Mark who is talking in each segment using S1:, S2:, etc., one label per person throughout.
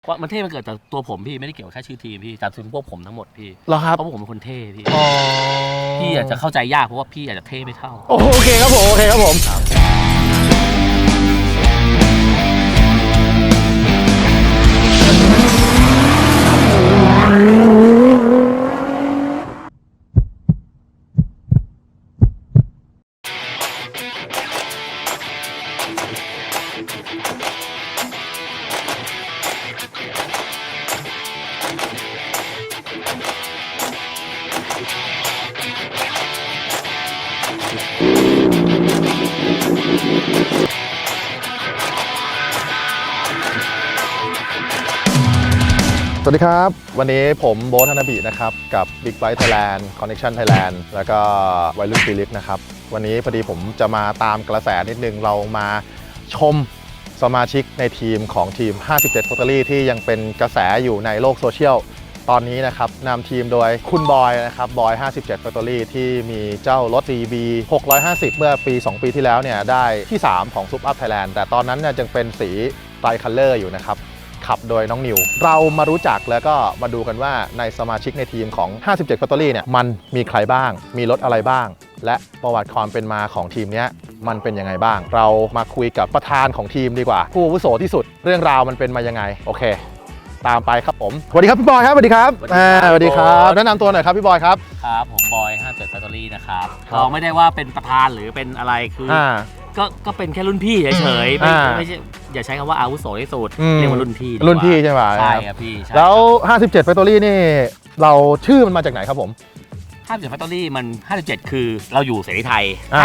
S1: ว่ามันเท่มันเกิดจากตัวผมพี่ไม่ได้เกี่ยวกับแค่ชื่อทีมพี่แต่ถึงพวกผมทั้งหมดพี่
S2: เหรอครับ
S1: เพราะผมเป็นคนเท่พี่พี่อาจจะเข้าใจยากเพราะว่าพี่อาจจะเท่ไม่เท่า
S2: โอเคครับผมโอเคครับผมสวัสดีครับวันนี้ผมโบ๊ท ธนบินะครับกับ Big Bike Thailand Connection Thailand แล้วก็วัยรุ่นฟิลิปนะครับวันนี้พอดีผมจะมาตามกระแสนิดนึงเรามาชมสมาชิกในทีมของทีม 57 Factory ที่ยังเป็นกระแสอยู่ในโลกโซเชียลตอนนี้นะครับนำทีมโดยคุณบอยนะครับบอย 57 Factory ที่มีเจ้ารถ CB 650 เมื่อปี 2 ปีที่แล้วเนี่ยได้ที่ 3 ของ Sup Up Thailand แต่ตอนนั้นเนี่ยยังเป็นสีไตรคัลเลอร์อยู่นะครับขับโดยน้องนิวเรามารู้จักแล้วก็มาดูกันว่าในสมาชิกในทีมของ 57 Factory เนี่ยมันมีใครบ้างมีรถอะไรบ้างและประวัติความเป็นมาของทีมนี้มันเป็นยังไงบ้างเรามาคุยกับประธานของทีมดีกว่าผู้อาวุโสที่สุดเรื่องราวมันเป็นมายังไงโอเคตามไปครับผมสวัสดีครับพี่บอยครับสวัสดีครับสวัสดีครับแนะนำตัวหน่อยครับพี่บอยครับ
S1: ครับผมบอย 57 Factory นะครับเราไม่ได้ว่าเป็นประธานหรือเป็นอะไรคือก็เป็นแค่รุ่นพี่เฉยๆไม่ใช่อย่าใช้คำว่าอาวุโสที่สุดเรียกว่ารุ่นพี่
S2: ใช่ไหม
S1: ใช่ครับพี่
S2: แล้ว 57 Factory นี่เราชื่อมันมาจากไหนครับผม
S1: 57 Factory มัน57คือเราอยู่เสรีไทย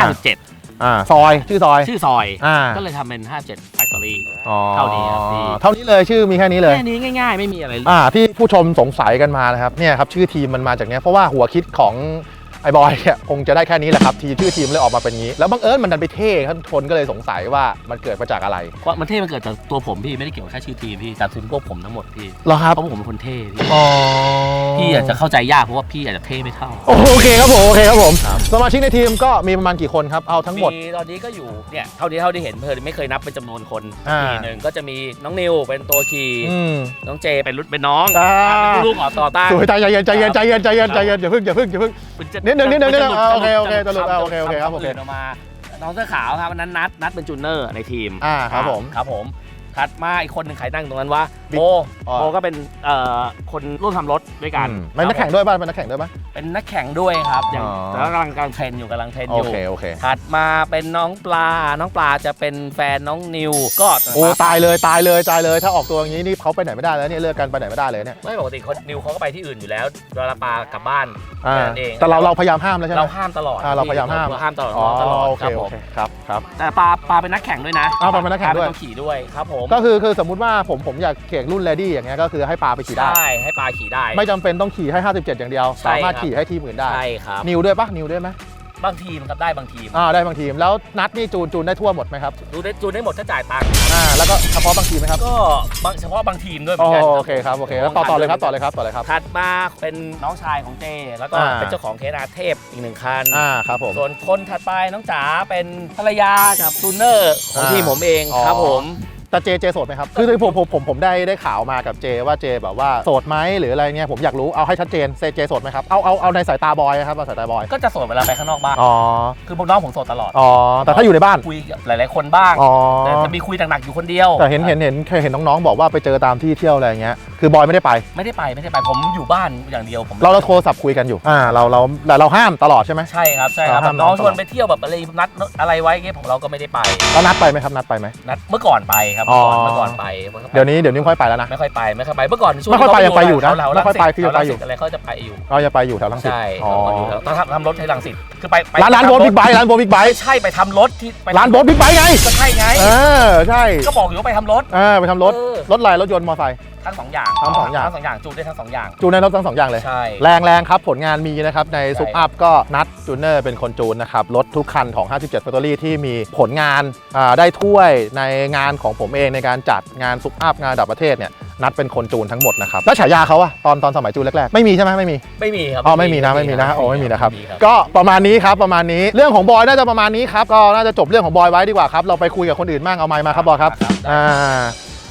S1: 57
S2: ซอยชื่อซอย
S1: ก็เลยทำเป็น57 Factory เท่านี้ครับพี่
S2: เท่านี้เลยชื่อมีแค่นี้เลย
S1: แค่นี้ง่ายๆไม่มีอะไร
S2: ที่ผู้ชมสงสัยกันมานะครับเนี่ยครับชื่อทีมมันมาจากเนี้ยเพราะว่าหัวคิดของไอ้บอยเนี่ยคงจะได้แค่นี้แหละครับชื่อทีมเลยออกมาเป็นงี้แล้วบังเอิญมันดันไปเท่คนก็เลยสงสัยว่ามันเกิดมาจากอะไร
S1: ว่ามันเท่มันเกิดจากตัวผมพี่ไม่ได้เกี่ยวกับแค่ชื่อทีมพี่แต่ถึงพวกผมทั้งหมดพี่
S2: เหรอครับ
S1: เพราะผมเป็นคนเท่พี่อาจจะเข้าใจยากเพราะว่าพี่อาจจะเท่ไม่เท่า
S2: โอเคครับผมสมาชิกในทีมก็มีประมาณกี่คนครับเอาทั้งหมด
S1: ตอนนี้ก็อยู่เนี่ยเท่าที่เห็นไม่เคยนับเป็นจำนวนคนทีหนึ่งก็จะมีน้องนิวเป็นตัวขี่น้องเจเป็นน้องเป็นลูกต่อต้าน
S2: สวยใจเย็นอย่าเพิ่งนิดนึงโอเคตลกโอเคครับโอเค
S1: มาน้องเสื้อขาวครับนั้นนัดเป็นจูเนอร์ในทีม
S2: ครับผม
S1: ถัดมาอีกคนหนึ่งใครนั่งตรงนั้นวะโบก็เป็นคนร่วมทำรถด้วยกัน
S2: เป็นนักแข่งด้วยป่ะเป็นนักแข่งด้วย
S1: ครับอย่างแต่กำลังเทรนอยู่
S2: โอเค
S1: ถัดมาเป็นน้องปลาจะเป็นแฟนน้องนิวก็
S2: ตายเลยถ้าออกตัวอย่างนี้นี่เขาไปไหนไม่ได้แล้วเนี่ยเลิกกันไปไหนไม่ได้เลยเนี่ย
S1: ไม่ปกติคนนิวเขาก็ไปที่อื่นอยู่แล้วเวลาปลากลับบ้าน
S2: เองแต่เราพยายามห้ามแล้วใช่ไหม
S1: เราห้ามตลอด
S2: เราพยายามห้าม
S1: ตลอด
S2: โอเคครับ
S1: แต่ปลาเป็นนักแข่งด้วยนะ
S2: ปลาเป็นนักแข่งด้วย
S1: ขี่ด้วยครับผม
S2: ก็คือสมมุติว่าผมอยากแข่งรุ่นเลดี้อย่างเงี้ยก็คือให้ปลาไปขี่ได้
S1: ใช่ให้ปลาขี่ได้
S2: ไม่จำเป็นต้องขี่ให้57อย่างเดียวสามารถขี่ให้ทีมอื่นได้
S1: ใช่ครับ
S2: นิวด้วยไหม
S1: บางทีมครับได้บางทีม
S2: ได้บางทีมแล้วนัดนี่จูนได้ทั่วหมดไหมครับ
S1: จูนได้หมดถ้าจ่ายตังค์
S2: แล้วก็เฉพาะบางทีมไหมครับ
S1: ก็เฉพาะบางทีมด้วย
S2: โอเคครับแล้วต่อเลยครับ
S1: ถัดมาเป็นน้องชายของเจแล้วก็เป็นเจ้าของเคนาเทพอีก1คัน
S2: ครับผม
S1: ส่วนคนถัดไปน้องจ๋าเป็นภรรยากับจูเนอร์ของทีมผมเองครับผม
S2: แต่เจโสดไหมครับคือผมได้ข่าวมากับเจว่าเจแบบว่าโสดไหมหรืออะไรเงี้ยผมอยากรู้เอาให้ชัดเจนเจโสดไหมครับเอาในสายตาบอยครับสายตาบอย
S1: ก็จะโสดเวลาไปข้างนอกบ้านคือพวกน้องผมโสดตลอด
S2: แต่ถ้าอยู่ในบ้าน
S1: คุยหลายๆคนบ้างแต่จะมีคุยหนักๆอยู่คนเดียว
S2: แต่เห็นน้องๆบอกว่าไปเจอตามที่เที่ยวอะไรเงี้ยคือบอยไม่ได้ไป
S1: ผมอยู่บ้านอย่างเดียวผม
S2: เราโทรศัพท์คุยกันอยู่เราห้ามตลอดใช่ไหม
S1: ใช่ครับน้องชวนไปเที่ยวแบบอะไรนัดอะไรไว้เงี้ยผมเราก็ไม่ได้ไป
S2: แล้วนัดไปไหมครับนัด
S1: เมื่อก่อนไปครับเมื่อก่อนไป
S2: เดี๋ยวนี้ไม่ค่อยไปแล้วนะ
S1: ไม่ค่อยไปเมื่อก่อน
S2: ช่วงไม่ค่อยไปยังไปอยู่นะไม่ค่อยไปคือยังไปอยู่
S1: อะไรเขาจะไปอยู่
S2: เราจะไปอยู่แถวรังสิต
S1: ใช่ต้องทำรถให้รังสิตคือไป
S2: ร้านโบ๊ทบิ๊กไบค์
S1: ใช่ไปทำรถที่
S2: ร้านโบ๊ทบิ๊กไบค์ไง
S1: ก็ใช่ไง
S2: ใช่
S1: ก็บอกอยู่ว่าไปทำรถ
S2: รถอะไรรถยนต์มอเตอร์ไซค์
S1: ทั้ง2อย่างจูนได้ทั้ง2อย่าง
S2: จูนในรถทั้ง2อย่างเลย
S1: ใช่
S2: แรงครับผลงานมีนะครับในซุปอัพก็นัดจูเนอร์เป็นคนจูนนะครับรถทุกคันของ 57 Factory ที่มีผลงานได้ถ้วยในงานของผมเองในการจัดงานซุปอัพงานระดับประเทศเนี่ยนัดเป็นคนจูนทั้งหมดนะครับแล้วฉายาเขาอะตอนสมัยจูนแรกๆไม่มีใช่ไหมไม่มี
S1: ครับ
S2: ไม่มีนะไม่มีนะครับก็ประมาณนี้เรื่องของบอยน่าจะประมาณนี้ครับก็น่าจะจบเรื่องของบอยไว้ดีกว่าครับเราไปคุยกับคนอื่นบ้างเอาไมค์มาครับบอยครับ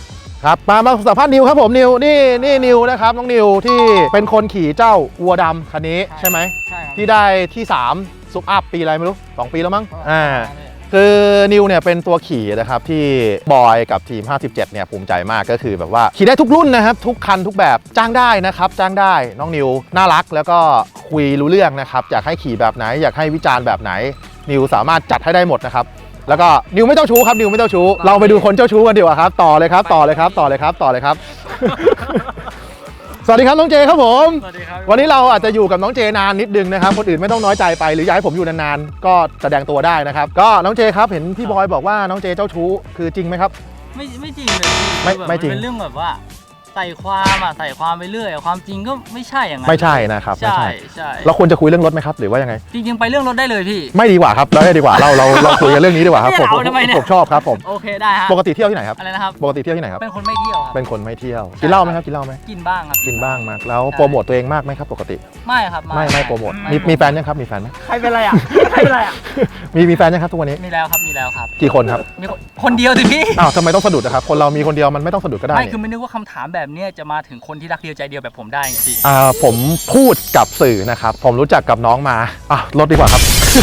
S2: ครับมาสัมภาษณ์นิวครับผมนิวนี่นิวนะครับน้องนิวที่เป็นคนขี่เจ้าวัวดำคันนี้ใช่ไหม
S3: ใช่ครับ
S2: ที่ได้ที่3ซุปอัพปีอะไรไม่รู้2 ปีแล้วมั้งคือนิวเนี่ยเป็นตัวขี่นะครับที่บอยกับทีม 57 เนี่ยภูมิใจมากก็คือแบบว่าขี่ได้ทุกรุ่นนะครับทุกคันทุกแบบจ้างได้นะครับจ้างได้น้องนิวน่ารักแล้วก็คุยรู้เรื่องนะครับอยากให้ขี่แบบไหนอยากให้วิจารณ์แบบไหนนิวสามารถจัดให้ได้หมดนะครับแล้วก็นิวไม่เจ้าชู้ครับนิวไม่เจ้าชู้เราไปดูคนเจ้าชู้กันดีกว่าครับต่อเลยครับต่อเลยครับต่อเลยครับต่อเลยครับ สวัสดีครับน้องเจครับผม
S3: สวัสดีครับ
S2: วันนี้เราอาจจะอยู่กับน้องเจนานนิดนึงนะครับคนอื่นไม่ต้องน้อยใจไปหรืออยากให้ผมอยู่นานๆก็แสดงตัวได้นะครับก็น้องเจครับเห็นพี่บอยบอกว่าน้องเจเจ้าชู้คือจริงไหมครับ
S3: ไม่จริงเลยพี่
S2: ไม่
S3: คือแบบ
S2: ไม่จริง
S3: นเป็นเรื่องแบบว่าใส่ความไปเรื่อยความจริงก็ไม่ใช่อย่างนั้น
S2: ไม่ใช่นะครับไม่
S3: ใช่
S2: ใช่
S3: ใช่
S2: เราควรจะคุยเรื่องรถไหมครับหรือว่ายังไง
S3: จริงๆไปเรื่องรถได้เลยพี่
S2: ไม่ดีกว่าครับเราดีกว่าเราคุยกันเรื่องนี้ดีกว่าครับ
S3: เนี่ยเอาทำไมเนี่ย
S2: ผมชอบครับผม
S3: โอเคได้ฮะ
S2: ปกติเที่ยวที่ไหนครับ
S3: อะไรนะครับ
S2: ปกติเที่ยวที่ไหนครับ
S3: เป็นคนไม่เที่ยวครับ
S2: เป็นคนไม่เที่ยวกินเหล้าไหมครับกินเหล้าไหม
S3: กินบ้างครับ
S2: กินบ้างมากแล้วโปรโมทตัวเองมากไหมครับปกติ
S3: ไม่ครับ
S2: ไม่โปรโมทมีแฟนยังครับมีแฟนไหม
S3: ใครเป็นไรอ่ะใครเป็นไรอ่ะ
S2: มีแฟนยังครับทุกวันนี้
S3: มีแล้วครับมีแล้วครับ
S2: กี่คนครับ
S3: มีคนเดียวสิพี่
S2: อ้าวทำไมต้องสะดุดนะครับคนเรามีคนเดียวมันไม่ต้องสะดุดก็ได้
S3: ไม่
S2: นี่
S3: คือไม่นึกว่าคำถามแบบเนี้ยจะมาถึงคนที่รักเดียวใจเดียวแบบผมได้ไงพี่
S2: ผมพูดกับสื่อนะครับ ผมรู้จักกับน้องมาลดดีกว่าครับ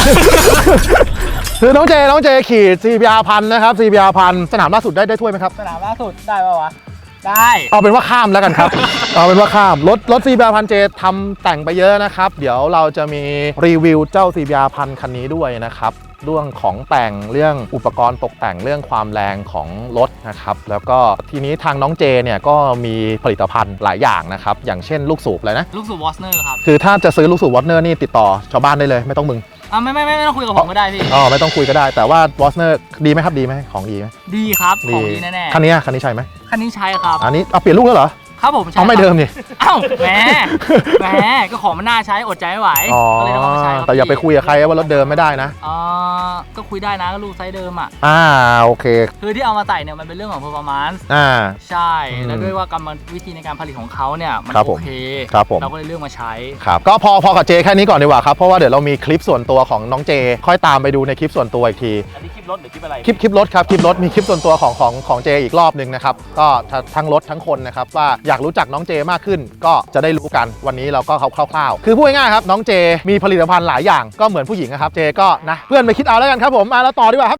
S2: คือน้องเจขี่ CBR พันนะครับ CBR พันสนามล่าสุดได้ถ้วยไหมครับ
S3: สนามล่าสุดได้ป่าวะได้
S2: เอาเป็นว่าข้ามแล้วกันครับ เอาเป็นว่าข้ามรถ CBR พันเจทำแต่งไปเยอะนะครับ เดี๋ยวเราจะมีรีวิวเจ้า CBR พันคันนี้ด้วยนะครับเรื่องของแต่งเรื่องอุปกรณ์ตกแต่งเรื่องความแรงของรถนะครับแล้วก็ทีนี้ทางน้องเจเนี่ยก็มีผลิตภัณฑ์หลายอย่างนะครับอย่างเช่นลูกสูบเลยนะ
S3: ลูกสูบวอสเนอร์ครับ
S2: คือถ้าจะซื้อลูกสูบวอตเนอร์นี่ติดต่อชาวบ้านได้เลยไม่ต้องมึง
S3: ไม่ต้องคุยกับผมก็ได้พี่
S2: ไม่ต้องคุยก็ได้แต่ว่าวอตเนอร์ดีไหมครับดีไหมของดีไหม
S3: ดีครับของดีแน่ๆ
S2: คันนี้ใช่ไหม
S3: คันนี้ใช้ครับ
S2: อันนี้เอาเปลี่ยนลูกแล้วเหรอ
S3: ครับผมใช้
S2: เอาไม่เดิมนี่
S3: เอ้าแหมก็ของมันน่าใช้อดใจไม่ไหวก็เลยต้องเอามาใช้ครับ
S2: แต่อย่าไปคุยกับใครว่ารถเดิมไม่ได้นะ
S3: ก็คุยได้นะก็ลูกไซส์เดิมอ่ะ
S2: โอเค
S3: คือที่เอามาใส่เนี่ยมันเป็นเรื่องของ performance ใช่ แล้วด้วยว่ากรรมวิธีในการผลิตของเขาเนี่ยมัน
S2: ครับผม
S3: โอเค
S2: ครับผม
S3: เราก็เลยเลือกมาใช้
S2: ครับก็พอกับเจแค่นี้ก่อนดีกว่าครับเพราะว่าเดี๋ยวเรามีคลิปส่วนตัวของน้องเจค่อยตามไปดูในคลิปส่วนตัวอีกที
S1: อันนี้คลิปรถหรือคลิปอะไร
S2: คลิปรถครับคลิปรถมีคลิปส่วนตัวของเจอีกรอบหนึ่งนะครับก็ทั้งรถทั้งคนนะครับว่าอยากรู้จักน้องเจมากขึ้นก็จะได้รู้กันวันนี้เราก็คร่าวๆคือพูดง่ายๆครับน้องเจมีผลิตภัณฑ์หลายอย่างก็เหมือนผู้หญิงนะครับเจก็นะเพื่อนไปคิดเอาแล้วกันครับผมมาแล้วต่อดีกว่าครับ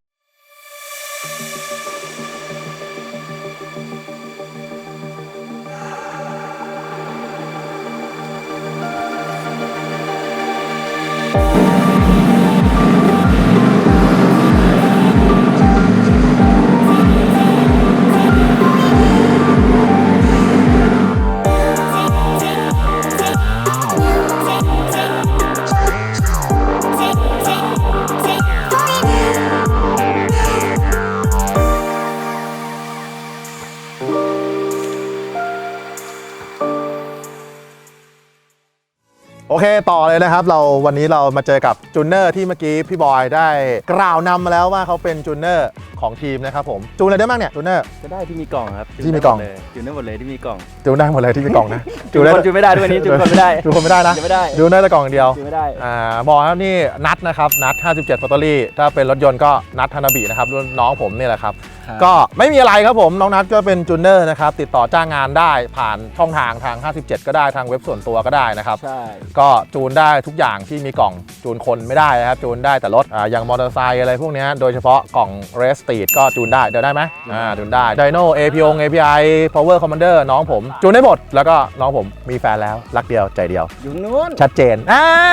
S2: โอเคต่อเลยนะครับวันนี้เรามาเจอกับจูนเนอร์ที่เมื่อกี้พี่บอยได้กล่าวนำมาแล้วว่าเขาเป็นจูนเนอร์ของทีมนะครับผมจูนอะไรได้บ้างเนี่ยจูนเนอร์
S4: ก็ได้ที่มีกล่องครับ
S2: ที่มีกล่อง
S4: จูนได้หมดเลยที่มีกล่อง
S2: จูนได้หมดเลยที่มีกล่องนะ
S4: จูนคนจูนไม่ได้ด้วยวันนี้จูนคนไม่ได้
S2: จูนคนไม่ได้นะ
S4: จูนไม่ได้
S2: จูนได้แต่กล่องเดียว
S4: จูนไม่ได้
S2: บอกครับนี่นัทนะครับนัท57 Factory ถ้าเป็นรถยนต์ก็นัทธนบินะครับรุ่นน้องผมนี่แหละครับ
S4: ครับ
S2: ก็ไม่มีอะไรครับผมน้องนัทก็เป็นจูนเนอร์นะครับติดต่อจ้างงานได้ผ่านช่องทาง57 ก็ได้ทางเว็บส่วนตัวก็ได้นะครับ
S4: ใช่
S2: ก็จูนได้ทุกอย่างที่มีกล่องจูนคนไม่ได้นะครับจูนได้แต่รถอย่างมอเตอร์ไซค์อะไรพวกนี้โดยเฉพาะกล่อง Race Street ก็จูนได้เดี๋ยวได้ไหมจูนได้ Dyno API Power Commander น้องผมจูนได้หมดแล้วก็น้องผมมีแฟนแล้วรักเดียวใจเดียว
S4: อยู่นู้น
S2: ชัดเจน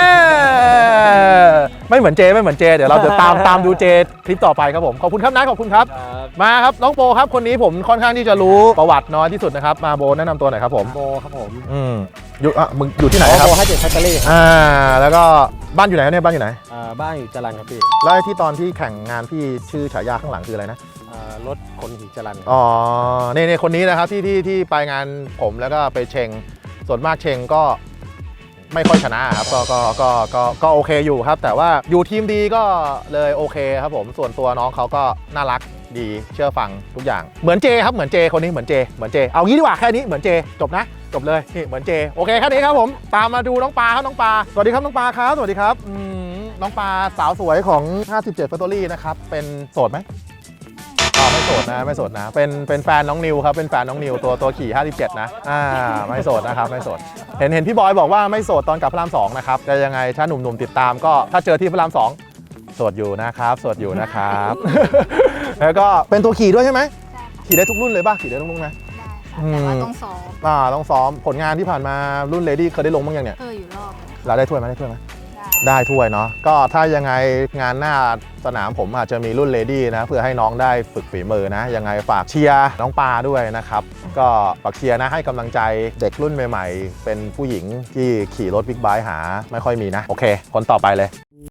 S2: ไม่เหมือนเจเดี๋ยวเราจะตามดูเจคลิปต่อไปครับผมขอบคุณครับนัทขอบคุณครับ
S4: ครับ
S2: มาครับน้องโปครับคนนี้ผมค่อนข้างที่จะรู้ประวัติน้อยที่สุดนะครับมาโบแนะนำตัวหน่อยครับผม
S4: โบครับผม
S2: มึงอยู่ที่ไหนครับ
S4: โบให้เจ็ดแฟคเตอรี่ครับ
S2: แล้วก็บ้านอยู่ไหนครับเนี่ยบ้านอยู่ไหน
S4: บ้านอยู่จรัญครับพี่
S2: แล้วไอ้ที่ตอนที่แข่งงานพี่ชื่อฉายาข้างหลังคืออะไรนะ
S4: รถคนหินจรัญ
S2: อ๋อนี่คนนี้นะครับที่ไปงานผมแล้วก็ไปเชงส่วนมากเชงก็ไม่ค่อยชนะครับก็โอเคอยู่ครับ แต่ว่าอยู่ทีมดีก็เลยโอเคครับผมส่วนตัวน้องเขาก็น่ารักดีเชื่อฟังทุกอย่างเหมือนเจครับเหมือนเจคนนี้เหมือนเจเอางี้ดีกว่าแค่นี้เหมือนเจจบนะจบเลยนี่เหมือนเจโอเคแค่นี้ครับผมตามมาดูน้องปลาครับน้องปลาสวัสดีครับน้องปลาครับสวัสดีครับน้องปลาสาวสวยของ57 Factory นะครับเป็นโสดไหมไม่โสโสดนะไม่โสดนะเป็นแฟนน้องนิวครับเป็นแฟนน้องนิวตัวขี่57นะไม่โสดนะครับไม่โสดเห็นพี่บอยบอกว่าไม่โสดตอนกลับพระราม2นะครับแต่ยังไงถ้าหนุ่มๆติดตามก็ถ้าเจอที่พระราม2โสดอยู่นะครับโสดอยู่นะครับ แล้วก็เป็นตัวขี่ด้วยใช่ไหม
S5: ใช่ค่ะ
S2: ขี่ได้ทุกรุ่นเลยป่ะขี่ได้ทุกรุ่นไหม
S5: ได้ค่ะแต่ว่าต้องซ้อม
S2: ต้องซ้อมผลงานที่ผ่านมารุ่นเลดี้เคยได้ลงบ้างยังเนี่ย
S5: อยู่รอบหนึ่ง
S2: เราได้ถ้วยไหมได้ถ้วยไหม
S5: ได้
S2: ได้ถ้วยเนาะก็ถ้ายังไงงานหน้าสนามผมอาจจะมีรุ่นเลดี้นะเพื่อให้น้องได้ฝึกฝีมือนะยังไงฝากเชียร์น้องปาด้วยนะครับก็ฝากเชียร์นะให้กำลังใจเด็กรุ่นใหม่ๆเป็นผู้หญิงที่ขี่รถบิ๊กไบค์หาไม่ค่อยมีนะโอเคคนต่อไปเลย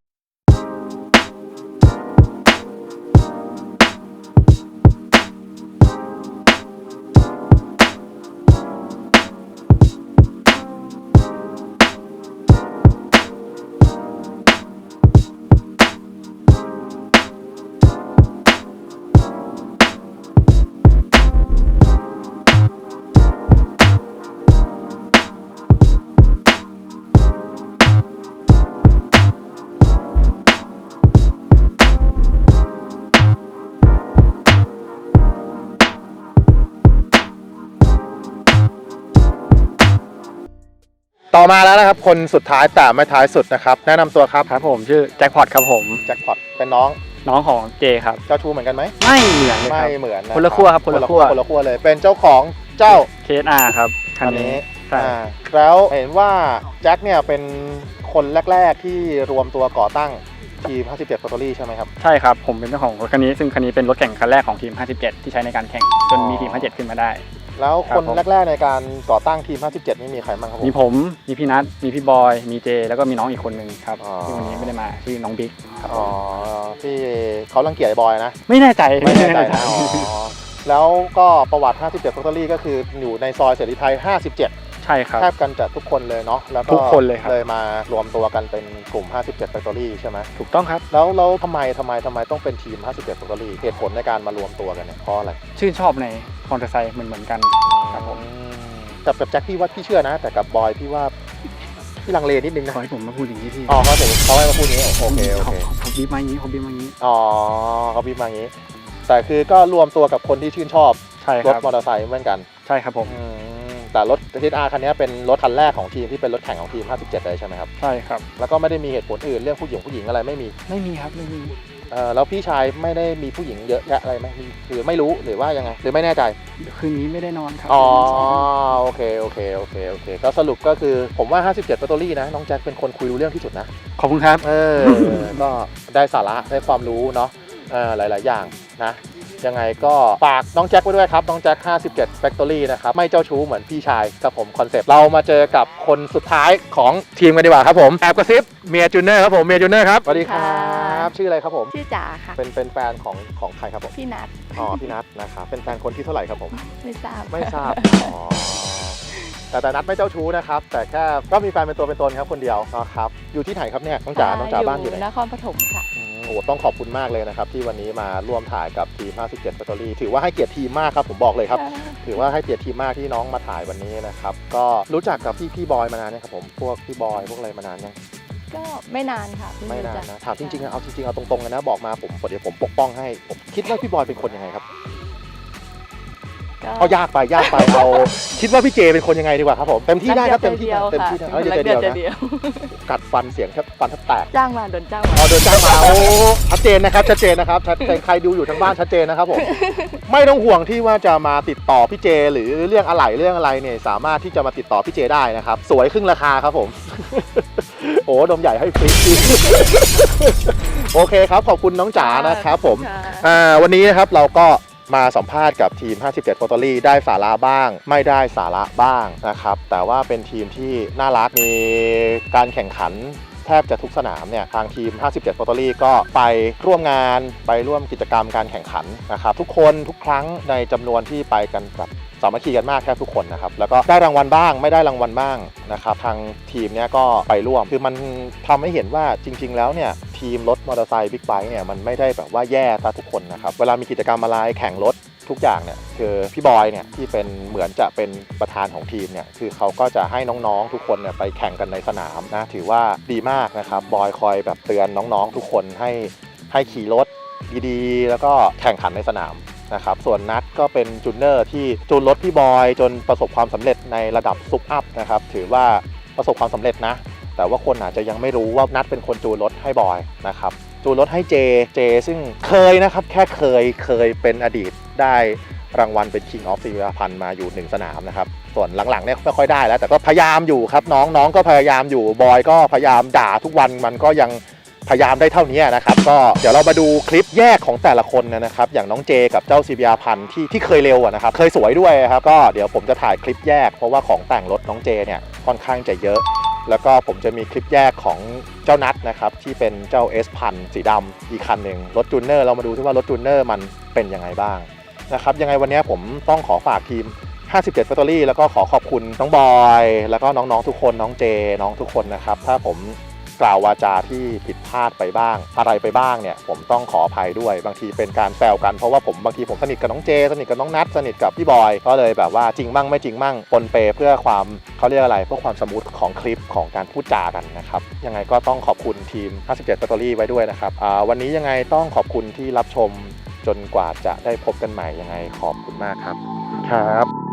S2: ต่อมาแล้วนะครับคนสุดท้ายแต่ไม่ท้ายสุดนะครับแนะนำตัวครับ
S4: ครับผมชื่อแจ็คพอตครับผม
S2: แจ็คพอตเป็นน้อง
S4: น้องของเจครับ
S2: เจ้าชู้เหมือนกันไหม
S4: ไม่เหมือนเลยค
S2: ไม่
S4: รับ
S2: เหมือนนะ
S4: คนละขั้วครับคนละขั้ว
S2: คนละขั้วเลยเป็นเจ้าของเจ้า
S4: KSR ครับคัน
S2: อัน
S4: นี้
S2: นี้
S4: ใช่
S2: แล้วเห็นว่าแจ็คเนี่ยเป็นคนแรกๆที่รวมตัวก่อตั้งทีม 57 Factory ใช่ไหมครับ
S4: ใช่ครับผมเป็นเจ้าของรถคันนี้ซึ่งคันนี้เป็นรถแข่งคันแรกของทีม 57 ที่ใช้ในการแข่งจนมีทีม 57 ขึ้นมาได้
S2: แล้ว
S4: ครับ
S2: คน
S4: ผม
S2: แรกๆในการก่อตั้งทีม 57 นี่มีใครบ้างครับ
S4: มีผมมีพี่นัทมีพี่บอยมีเจแล้วก็มีน้องอีกคนนึงครับ
S2: อ๋อ
S4: ที่วันนี้ไม่ได้มาชื่อน้องบิ๊กครับ
S2: อ๋อที่เขารังเกียจไอ้บอยนะ
S4: ไม่แน่ใจ
S2: ไม่แน่ใจนะอ๋อแล้วก็ประวัติ 57 Factory ก็คืออยู่ในซอยเสรีไทย 57
S4: ใช่ครับ
S2: แทบกันจะทุกคนเลยเนาะแล้วก็
S4: ทุกคนเลยครับ
S2: เลยมารวมตัวกันเป็นกลุ่ม 57 Factory ใช่ไหม
S4: ถูกต้องครับ
S2: แล้วทำไมต้องเป็นทีม 57 Factory เหตุผลในการมารวมตัวกันเนี่ยเพราะอะไร
S4: ชื่นชอบในมอเตอร์ไซค์เหมือนกันครับผม
S2: กับแจ็คพี่ว่าพี่เชื่อนะ แต่กับบอยพี่ว่าพี่ลังเลนิดนึงนะ
S4: ขอให้ผมมาพูดอย่างนี้พี่
S2: อ๋อเขาให้มาพูดนี้โอเคโอเค
S4: เขาบีบมาอย่างนี้เขาบีบมาอย่างนี้
S2: อ๋อเขาบีบมาอย่างนี้ แต่คือก็รวมตัวกับคนที่ชื่นชอบ
S4: ใช่ค
S2: รถ
S4: รับ
S2: มอเตอร์ไซค์เหมือนกัน
S4: ใช่ครับผม
S2: แต่รถ TR คันนี้เป็นรถคันแรกของทีมที่เป็นรถแข่งของทีม 57 เลยใช่ไหมครับ
S4: ใช่ครับ
S2: แล้วก็ไม่ได้มีเหตุผลอื่นเรื่องผู้หญิงอะไรไม่มี
S4: ไม่มีครับไม่มี
S2: แล้วพี่ชายไม่ได้มีผู้หญิงเยอะแยะอะไรไหมหรือไม่รู้หรือว่ายังไงหรือไม่แน่ใจ
S4: คืนนี้ไม่ได้นอนครับ
S2: อ๋อโอเคก็สรุปก็คือผมว่า 57 Factory นะน้องแจ็คเป็นคนคุยรู้เรื่องที่สุดนะ
S4: ขอบคุณครับ
S2: ก็ได้สาระได้ความรู้เนาะหลาย ๆ อย่างนะยังไงก็ฝากน้องแจ็คไว้ด้วยครับน้องแจ็ค 57 Factory นะครับไม่เจ้าชู้เหมือนพี่ชายกับผมคอนเซปต์เรามาเจอกับคนสุดท้ายของทีมกันดีกว่าครับผมแอบกระซิบเมียจูเนอร์ครับผมเมียจูเนอร์ครับสวัสดีครับชื่ออะไรครับผม
S5: ชื่อจ๋าค่ะ
S2: เป็นแฟนของใครครับผม
S5: พี่นัท
S2: อ๋อพี่นัทนะครับเป็นแฟนคนที่เท่าไหร่ครับผม
S5: ไม่ทราบ
S2: ไม่ทราบอ๋อแต่นัทไม่เจ้าชู้นะครับแต่แค่ก็มีแฟนเป็นตัวเป็นตนครับคนเดียวนะครับอยู่ที่ไหนครับเนี่ยน้องจ๋าบ้านอยู่ไหน
S5: นครปฐมค่ะ
S2: โอ้ต้องขอบคุณมากเลยนะครับที่วันนี้มาร่วมถ่ายกับทีม 57 Factory ถือว่าให้เกียรติทีมมากครับผมบอกเลยครับ ถือว่าให้เกียรติทีมมากที่น้องมาถ่ายวันนี้นะครับก็รู้จักกับพี่บอยมานานเนี่ยครับผมพวกพี่บอยพวกอะไรมานานยัง
S5: ก็ไม่นานค่ะเพิ่ง
S2: ไม่นาน
S5: รู้จัก
S2: นะถามจริงๆเอาจริงๆเอาตรงๆเลยนะบอกมาผมเดี๋ยวผมปกป้องให้ผมคิดว่าพี่บอยเป็นคนยังไงครับ
S5: ก็
S2: เอายากไปเอาคิดว่าพี่เจเป็นคนยังไงดีกว่าครับผมเต็มที่ได้ครับเต็มที่นะเต็มที่นะ
S5: ค่ะ
S2: เดี๋ยว
S5: รัก
S2: เดียว
S5: เดี
S2: นะ
S5: ยว
S2: กัดฟันเสียงแทบฟันแทบแตก
S5: จ้างมาโดนจ้างมา
S2: เดินจ้างมาโอ้ชัดเจนนะครับชัดเจนนะครับใครดูอยู่ทางบ้านชัดเจนนะครับผม ไม่ต้องห่วงที่ว่าจะมาติดต่อพี่เจ หรือเรื่องอะไรเนี่ยสามารถที่จะมาติดต่อพี่เจได้นะครับสวยครึ่งราคาครับผม โอ้ดมใหญ่ให้ฟรี โอเคครับขอบคุณน้องจ๋านะครับผม
S5: ค่ะ
S2: วันนี้นะครับเราก็มาสัมภาษณ์กับทีม 57 Factory ได้สาระบ้าง ไม่ได้สาระบ้างนะครับแต่ว่าเป็นทีมที่น่ารักมีการแข่งขันแทบจะทุกสนามเนี่ยทางทีม 57 Factory ก็ไปร่วมงานไปร่วมกิจกรรมการแข่งขันนะครับทุกคนทุกครั้งในจำนวนที่ไปกันแบบสามัคคีกันมากแทบทุกคนนะครับแล้วก็ได้รางวัลบ้างไม่ได้รางวัลบ้างนะครับทางทีมเนี้ยก็ไปร่วมคือมันทำให้เห็นว่าจริง ๆ แล้วเนี่ยทีมรถมอเตอร์ไซค์บิ๊กไบค์เนี่ยมันไม่ได้แบบว่าแย่ซะทุกคนนะครับเวลามีกิจกรรมอะไรแข่งรถทุกอย่างเนี่ยคือพี่บอยเนี่ยที่เป็นเหมือนจะเป็นประธานของทีมเนี่ยคือเขาก็จะให้น้องๆทุกคนเนี่ยไปแข่งกันในสนามนะถือว่าดีมากนะครับบอยคอยแบบเตือนน้องๆทุกคนให้ขี่รถดีๆแล้วก็แข่งขันในสนามนะครับส่วนนัทก็เป็นจูนเนอร์ที่จูนรถพี่บอยจนประสบความสำเร็จในระดับซุปอัพนะครับถือว่าประสบความสำเร็จนะแต่ว่าคนอาจจะยังไม่รู้ว่านัทเป็นคนจูนรถให้บอยนะครับจูนรถให้เจซึ่งเคยนะครับแค่เคยเป็นอดีตได้รางวัลเป็น King of ศิริพันธ์มาอยู่1สนามนะครับส่วนหลังๆเนี่ยไม่ค่อยได้แล้วแต่ก็พยายามอยู่ครับน้องก็พยายามอยู่บอยก็พยายามด่าทุกวันมันก็ยังพยายามได้เท่านี้นะครับก็เดี๋ยวเรามาดูคลิปแยกของแต่ละคนนะครับอย่างน้องเจกับเจ้าศิริพันธ์ที่เคยเร็วนะครับเคยสวยด้วยครับก็เดี๋ยวผมจะถ่ายคลิปแยกเพราะว่าของแต่งรถน้องเจเนี่ยค่อนข้างจะเยอะแล้วก็ผมจะมีคลิปแยกของเจ้านัทนะครับที่เป็นเจ้า S1000 สีดำอีกคันหนึ่งรถจูนเนอร์เรามาดูที่ว่ารถจูนเนอร์มันเป็นยังไงบ้างนะครับยังไงวันนี้ผมต้องขอฝากทีม57 Factory แล้วก็ขอขอบคุณน้องบอยแล้วก็น้องๆทุกคนน้องเจน้องทุกคนนะครับถ้าผมกล่าววาจาที่ผิดพลาดไปบ้างอะไรไปบ้างเนี่ยผมต้องขออภัยด้วยบางทีเป็นการแซวกันเพราะว่าบางทีผมสนิทกับน้องเจสนิทกับน้องนัทสนิทกับพี่บอยก็เลยแบบว่าจริงมั่งไม่จริงมั่งปนเปเพื่อความเขาเรียกอะไรเพื่อความสมูทของคลิปของการพูดจากันนะครับยังไงก็ต้องขอบคุณทีม57 Factory ไว้ด้วยนะครับวันนี้ยังไงต้องขอบคุณที่รับชมจนกว่าจะได้พบกันใหม่ยังไงขอบคุณมากครับ